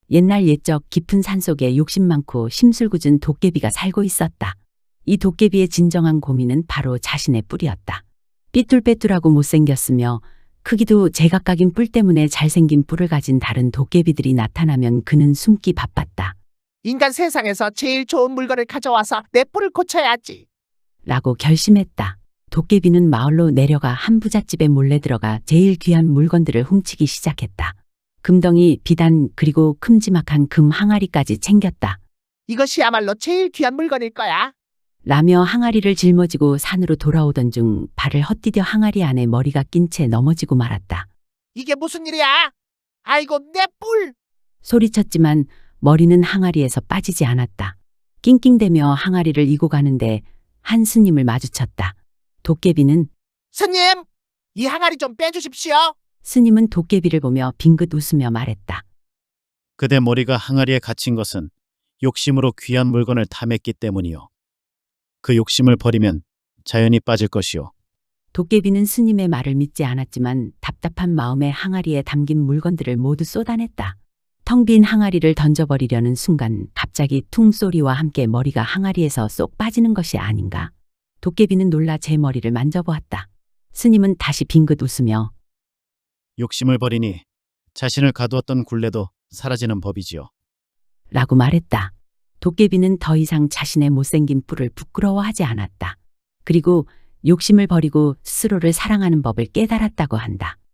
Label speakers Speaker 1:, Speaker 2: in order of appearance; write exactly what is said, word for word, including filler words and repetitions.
Speaker 1: 옛날 옛적 깊은 산속에 욕심 많고 심술궂은 도깨비가 살고 있었다. 이 도깨비의 진정한 고민은 바로 자신의 뿔이었다. 삐뚤빼뚤하고 못생겼으며 크기도 제각각인 뿔 때문에 잘생긴 뿔을 가진 다른 도깨비들이 나타나면 그는 숨기 바빴다.
Speaker 2: 인간 세상에서 제일 좋은 물건을 가져와서 내 뿔을 고쳐야지.
Speaker 1: 라고 결심했다. 도깨비는 마을로 내려가 한 부잣집에 몰래 들어가 제일 귀한 물건들을 훔치기 시작했다. 금덩이, 비단, 그리고 큼지막한 금 항아리까지 챙겼다.
Speaker 2: 이것이야말로 제일 귀한 물건일 거야.
Speaker 1: 라며 항아리를 짊어지고 산으로 돌아오던 중 발을 헛디뎌 항아리 안에 머리가 낀 채 넘어지고 말았다.
Speaker 2: 이게 무슨 일이야? 아이고 내 뿔!
Speaker 1: 소리쳤지만 머리는 항아리에서 빠지지 않았다. 낑낑대며 항아리를 이고 가는데 한 스님을 마주쳤다. 도깨비는
Speaker 2: 스님! 이 항아리 좀 빼주십시오.
Speaker 1: 스님은 도깨비를 보며 빙긋 웃으며 말했다.
Speaker 3: 그대 머리가 항아리에 갇힌 것은 욕심으로 귀한 물건을 탐했기 때문이요. 그 욕심을 버리면 자연히 빠질 것이요.
Speaker 1: 도깨비는 스님의 말을 믿지 않았지만 답답한 마음에 항아리에 담긴 물건들을 모두 쏟아냈다. 텅 빈 항아리를 던져버리려는 순간 갑자기 퉁 소리와 함께 머리가 항아리에서 쏙 빠지는 것이 아닌가. 도깨비는 놀라 제 머리를 만져보았다. 스님은 다시 빙긋 웃으며
Speaker 3: 욕심을 버리니 자신을 가두었던 굴레도 사라지는 법이지요.
Speaker 1: 라고 말했다. 도깨비는 더 이상 자신의 못생긴 뿔을 부끄러워하지 않았다. 그리고 욕심을 버리고 스스로를 사랑하는 법을 깨달았다고 한다.